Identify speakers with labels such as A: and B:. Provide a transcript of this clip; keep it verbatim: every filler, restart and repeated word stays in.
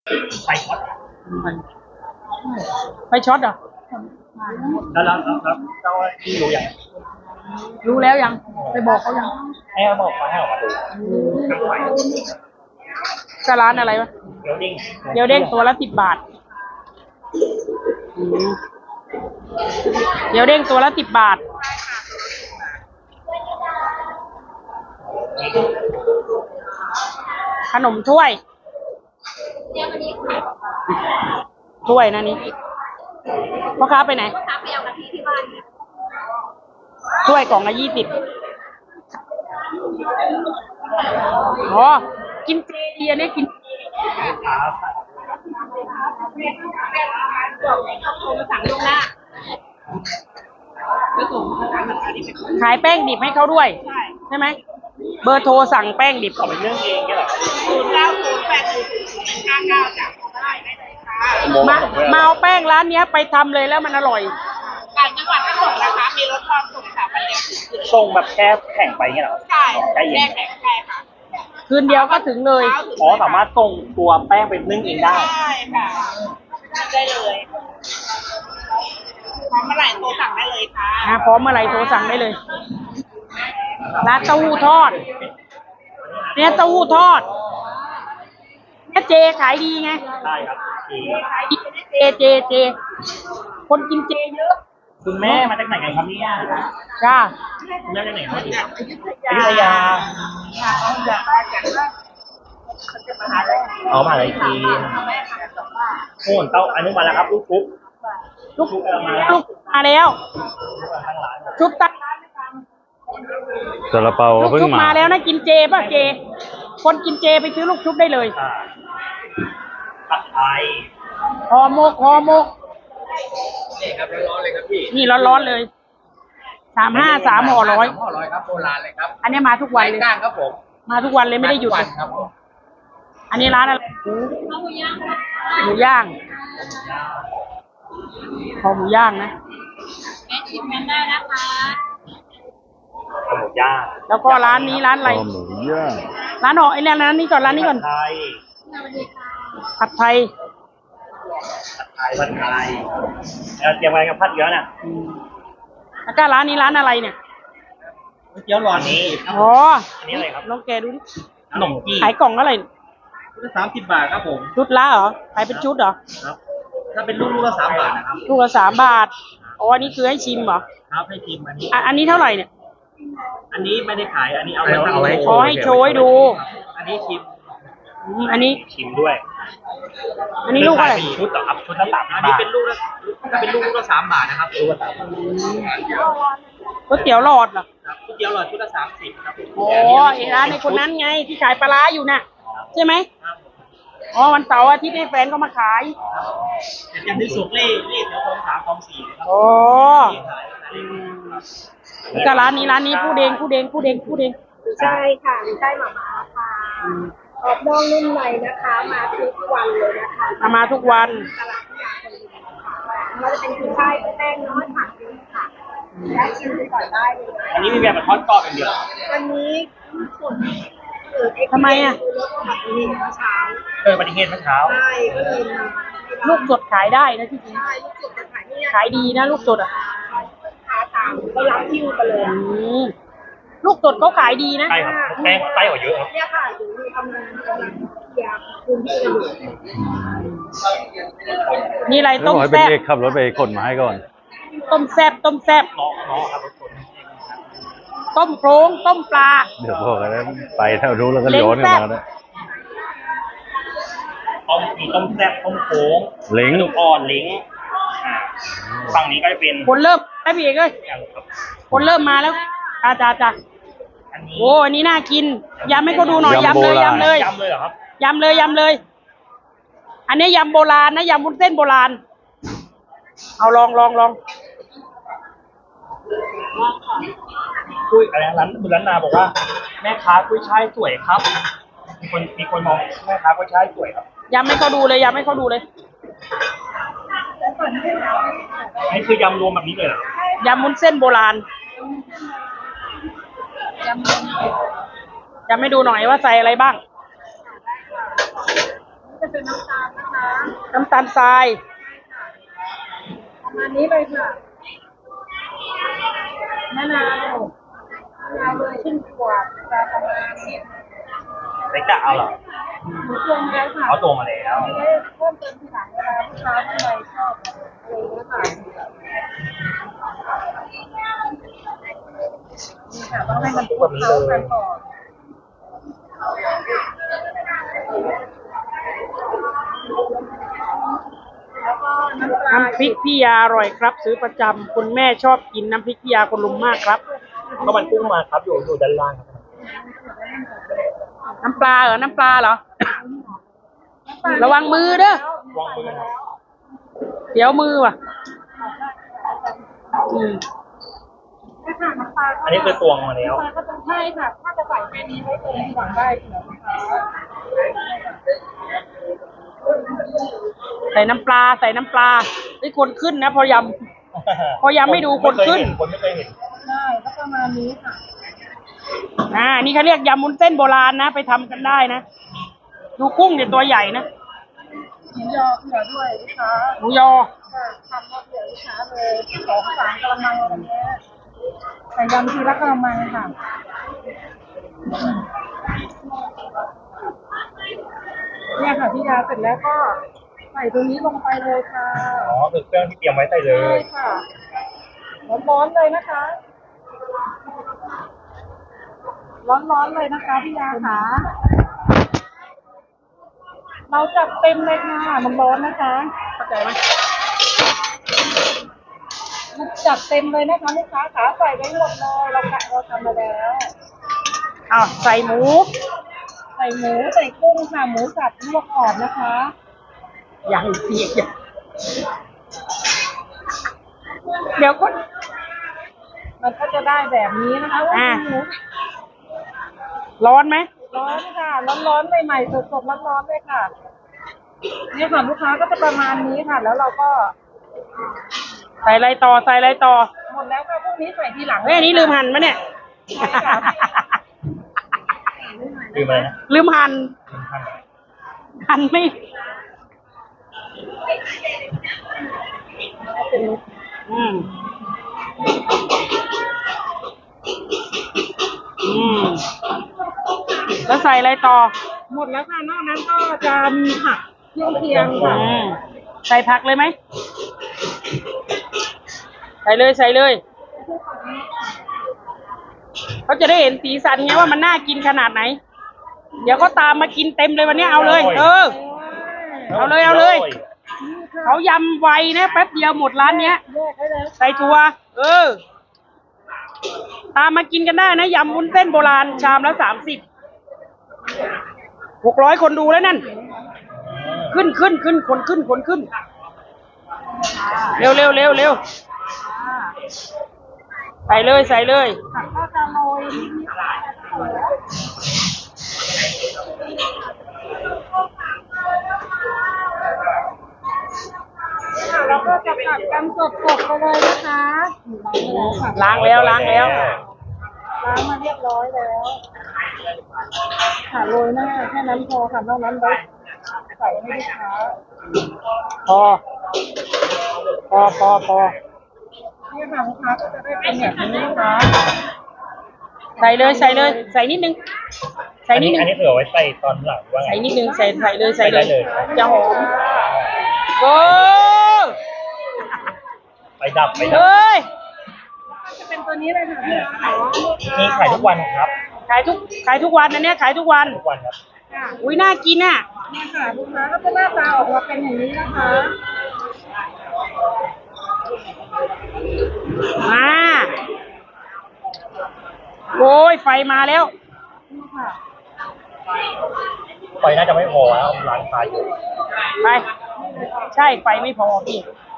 A: ไฟช็อต
B: ไฟช็อตเหรอ
A: แล้วแล้วแล้วเจ้าที่รู้ยัง
B: รู้แล้วยังไปบอกเขายัง
A: ให้เขาบอกมาให้ออกมาดูทางไฟ
B: ก็ร้านอะไรวะ
A: เดี๋ยวดิ้ง
B: เดี๋ยวเด้งตัวละสิบบาทเดี๋ยวเด้งตัวละสิบบาทขนมถ้วยถ้วยนะนี่พ่อค้าไปไหนพ่อค้าไปเอากะทิที่บ้านถ้วยกล่องละยี่สิบอ๋อกินเจดีอันนี้กินขายแป้งดิบให้เขาด้วยใช่ไหมเบอร์โทรสั่งแป้งดิบ
A: เขาเป็นเรื่องเองก็เหรอ
B: ศูนย์เก้าศูนย์แปดศูนย์ศูนย์ห้าเก้าจ้ะมามาเอาแป้งร้านนี้ไปทำเลยแล้วมันอร่อยต่างจังหวัดก็ส่งนะคะมีรถทอดส่งค่ะวันเดียว
A: ส่งแบบแค่แข่งไปเงี้ยเหรอ
B: ใช่แค่แข่งใช่ค่ะคืนเดียวก็ถึงเลย
A: อ๋อสามารถส่งตัวแป้งไปนึ่งเองได้
B: ใช่ค่ะได้เลยพร้อมเมื่อไหร่โทรสั่งได้เลยค่ะพร้อมเมื่อไหร่โทรสั่งได้เลยร้านเต้าหู้ทอดเนี่ยเต้าหู้ทอดเนี่ยเจขายดีไง
A: ใช่ครับ
B: ขายดีเจเจเจคนกินเจเยอะ
A: คุณแม่มาจากไหนกันครับเนี่ย
B: จ้า
A: คุณแม่มาจากไหนครับอยุธยาเอามาอะไรทีโน่นเต้าอันนี้มาแล้วครับลูกชุบ
B: ลูกชุบมาลูกมาแล้วชุบตัก
C: ซาลาเปา
B: ลูกชุบมาแล้วนะกินเจป่ะเจคนกินเจไปซื้อลูกชุบได้เลย
A: ผัดไทย
B: ห่อหมกห่อหมก
A: นี่ครับร้อนๆเลยครับพี่
B: นี่ร้อนๆเลยสามห้าสามห่อร้อย
A: ห่อร้อยครับโบราณเลยครับ
B: อันนี้มาทุกวันเลย
A: ครับผม
B: มาทุกวันเลยไม่ได้หยุด
A: ครับผม
B: อันนี้ร้านอะไรหมูย่างหมูย่างห่อหมูย่างนะแม่ชิมกันได้นะคะ
A: หมูย่าง
B: แล้วก็ร้านนี้ร้านอะไร
C: หมูย่าง
B: ร้านห่อไอ้นี่ร้านนี้ก่อนร้านนี้ก่อนผัดไทย
A: ผัดไทยผัดไทยแล้วเตรียมอะไรกับผัดเยอะน่ะ
B: แล้วก็ร้านนี้ร้านอะไรเนี่ย
A: เกี๊ยวร้อนนี้
B: อ๋อ
A: อันนี้อะไรครับ
B: ลองแกดูดิ
A: ขนมจี
B: ขายกล่องอะไร
A: ชุดละสามสิบบาทครับผม
B: ชุดละเหรอขายเป็นชุดเหรอ
A: ครับถ้าเป็นลูกลูกละสามบาทนะครับ
B: ลูกละสามบาทอ๋ออันนี้คือให้ชิมเหรอ
A: ครับให้ชิมอันนี้
B: อันนี้เท่าไหร่เนี่ย
A: อันนี้ไม่ได้ขายอันนี้เอาไว้เอาไว้
B: ขอให้โชว์ให้ดู
A: อันนี้ชิม
B: อันนี้
A: ชิมด้วย
B: อันนี้ลูกอะไร
A: ชุดต่อครับชุดละสามอันนี้เป็นลูกละถ้าเป็นลูกลูกละสามบาทนะครับลูกละสามบาท
B: ก๋วยเตี๋ยวหลอดเหรอ
A: ก๋วยเตี๋ยวหลอดชุดละสามสิบครับ
B: โอ้ไอ้ร้านในคนนั้นไงที่ขายปลาร้าอยู่น่ะใช่ไหมอ๋อวันเสาร์อาทิตย์ให้แฟนก็มาขาย
A: อย่างที่สุดเล่เล่แถวคลองสามคลองสี่ครับ
B: โอ้ก็ร้านนี้ร้านนี้ผู้เดงผู้เดงผู้เดงผู้เดง
D: ใช่ค่ะใช่หมาม่าค่ะออกนอกนุ่มในนะคะมาทุกวันเลยนะคะ
B: มามาทุกวัน
D: ตลาดที่ยาคนนี้ค่ะเราจะเป็นกุ้ยช่ายแป้งน้อยผักเยอะค่ะและชิมไปก่อนได้เลย
A: อันนี้มีแบบทอดกรอบอย่างเดียว
D: วันนี้ส่วน
B: ทำไมอ่ะ
D: รถอุบัติเหตุเมื่อเช้า
A: เอออุบัติเหตุเมื่อเช้า
D: ใช่ก็เลย
B: ลูกสดขายได้นะที่จริง
D: ใช่ลูกสดจะขายนี่
B: ขายดีนะลูกสดอ่ะ
D: ขาตามก็รับคิวไปเลย
B: ลูกสดเขาขายดีนะ
A: ใช่ครับแป้งใต้กว่าเยอะครับ
D: เนี่ยค่ะถึงมีกำลังกำลังเคลียร์พื้นที่กันอยู่
B: นี่อะไรต้มแซ่บ
C: ขับรถไปขนมาให้ก่อน
B: ต้มแซ่บต้มแซ่บต้มโครงต้มปลา
C: เดี๋ยวพอกันไปแถวนู้นแล้วก็ย้อนกลับมาเนี่ย
A: ต้มมีต้มแซ่บต้มโค้ง
C: เล้ง
A: ลูกอ่อนเล้งฝั่งนี้ก็จะเป็น
B: คนเริ่มไอ้พี่เอกเลยคนเริ่มมาแล้วอาจารย์จ้ะโอ้อันนี้น่ากินยำให้เขาดูหน่อยยำเลยยำเลย
A: ยำเลยเหรอครับ
B: ยำเลยยำเลยอันนี้ยำโบราณนะยำวุ้นเส้นโบราณเอาลองลองลอง
A: คุยอะไรร้านคุณร้านนาบอกว่าแม่ค้ากุ้ยช่ายสวยครับมีคนมีคนมองแม่ค้ากุ้ยช่ายสวยครับ
B: ยำให้เขาดูเลยยำให้เขาดูเลย
A: นี่คือยำรวมแบบนี้เลยเหร
B: อยำวุ้นเส้นโบราณยำให้ดูหน่อยว่าใส่อะไรบ้าง
D: เป็นน้ำตาลนะคะ
B: น้ำตาลทราย
D: ประมาณนี้เลยค่ะมะนาวมะนาวเลยขึ้นขวดจะประมาณนี้
A: เล็กจะเอาเหรอ
D: หมูตวงแล้วค่ะ
A: เอาตัวมาแล้ว
D: ไม่ได้เพิ่มเติมทีหลังเวลาลูกค้าท่านใดชอบอะไรอย่างเงี้ยค่ะนี่ค่ะต้องให้มันคลุกเคล้ากันก่อนแล้วก็น้ำปลา
B: น้ำพริกพี่ยาอร่อยครับ ซื้อประจำคุณแม่ชอบกินน้ำพริกพี่ยาคนลุมมากครับ
A: ข้าวมันกุ้งมาครับอยู่อยู่ด้านล่างครับ
B: น้ำปลาเหรอ น้ำปลาเหรอ ระวังมือเด้อ
A: วางมือครับ
B: เดี๋ยวมือว่ะ อืม
D: ไม่ค่ะน้ำปลา
A: อันนี้คือตวงมาแล้ว
D: น้ำปลาก็ต้องใช่ค่ะ ถ้าจะใส่แค่นี้ไว้ตรงหวังได้เหรอคะ
B: ใส่น้ำปลา ใส่น้ำปลาไอ้คนขึ้นนะ พอยำ พอยังไม่ดูคนขึ้น
A: คนไม่เคยเห็น
D: ได้ก็ประมาณนี้ค่ะ
B: อ่า นี่เขาเรียกยำมุ้นเส้นโบราณนะ ไปทำกันได้นะ ดูกุ้งเนี่ยตัวใหญ่นะ
D: หมูยอเผื่อด้วยลูกค้า
B: หมูยอ
D: ค่ะทำมาเผื่อลูกค้าเลยสองสามกระมังอะไรเงี้ยใส่ยำทีละกระมังค่ะเนี่ยค่ะพี่ยาเสร็จแล้วก็ใส่ตรงนี้ลงไปเลยค่ะ
A: อ๋อคือเครื่องที่เตรียมไว้ใส่เล
D: ใช่
A: ย
D: ค่ะร้อนๆเลยนะคะ ร้อนๆเลยนะคะพี่ยาค่ะเราจัดเต็มเลยค่ะมันร้อนนะคะเข้าใจไหมจัดเต็มเลยนะคะลูกค้าขาใส่ไปหมดเลยเรากะเราทำมาแล้ว
B: อ้าวใส่หมู
D: ใส่หมูใส่กุ้งค่ะหมูสับลวกก่อนนะคะ
B: อย่างเสียอย่างเดี๋ยวก็
D: มันก็จะได้แบบนี้นะคะว่า
B: อ่า
D: หมู
B: ร้อนไหม
D: ร้อนค่ะร้อนๆใหม่ๆสดๆร้อนๆเลยค่ะนี่ค่ะลูกค้าก็จะประมาณนี้ค่ะ แล้วเราก็
B: ใส่อะไรต่อ ใส่อะไรต่อ
D: หมดแล้วค่ะพวกนี้ใส่ทีหลัง
B: เฮ้ยอันนี้ลืมหั่นมะเนี่ย
D: ใช่ค่ะ
A: ลืมอะไรนะ
B: ลืมหั่น
A: ลืมท่าน
B: หั่นไม่ อืม อืม แล้วใส่อะไรต่อ
D: หมดแล้วค่ะนอกนั้นก็จะมีผักเครื่องเคียงค่ะ
B: อืม ใส่ผักเลยไหม ใส่เลยใส่เลย เขาจะได้เห็นสีสันไงว่ามันน่ากินขนาดไหน เดี๋ยวก็ตามมากินเต็มเลยวันนี้เอาเลย เออ เอาเลยเอาเลย เขายำไวนะแป๊บเดียวหมดร้านเนี้ย
D: แยกได้เลย
B: ใส่ถั่วเออ ตามมากินกันได้นะยำวุ้นเส้นโบราณชามละสามสิบหกร้อยคนดูแล้วนั่น ขึ้นขึ้นขึ้นคนขึ้นคนขึ้น เร็วเร็วเร็วเร็วใส่เลยใส่เลย
D: ผักก็จะโรยนิดๆค่ะแล้วก็จะผัดกันสดๆไปเลยนะคะ
B: ล้างแล้วล้างแล้ว
D: ล้างมาเรียบร้อยแล้วค่ะโรยหน้าแค่นั้นพอค่ะนอกนั้นไว้ใส่ให้ลูกค้า
B: พอ พอพอพอ
D: เนี่ยค่ะลูกค้าก็จะได้เป็นแบบนี้นะคะ
B: ใส่เลยใส่เลย ใส่นิดนึง ใส่
A: อัน
B: นิ
A: นี้
B: ดนึง
A: อันนี้คือเอาไว้ใส่ตอนหลังว่าไง
B: ใส่นิดนึงใส่ใส่เลยใส่เลย
A: ใส่ได้เลย
B: จะหอมโอ้
A: ไปดับไปดับ
B: เฮ้ย
D: จะเป็นตัวนี้เลยค่ะพี่ขายว่า
A: นี่ขายทุกวันครับ
B: ขายทุกขายทุกวันนะเนี่ยขายทุกวัน
A: ทุกวันครับ
D: ค่ะ
B: อุ้ยน่ากินอ่ะ
D: เนี่ยค่ะลูกค้าก็จะหน้าตาออกมาเป็นอย่างนี้นะคะ
B: มาโอ้ยไฟมาแล้ว
D: นี่ค่ะ
A: ไฟน่าจะไม่พอแล้วร้านค้าอยู่
B: ไป ใช่ไฟไม่พอพี่
D: ค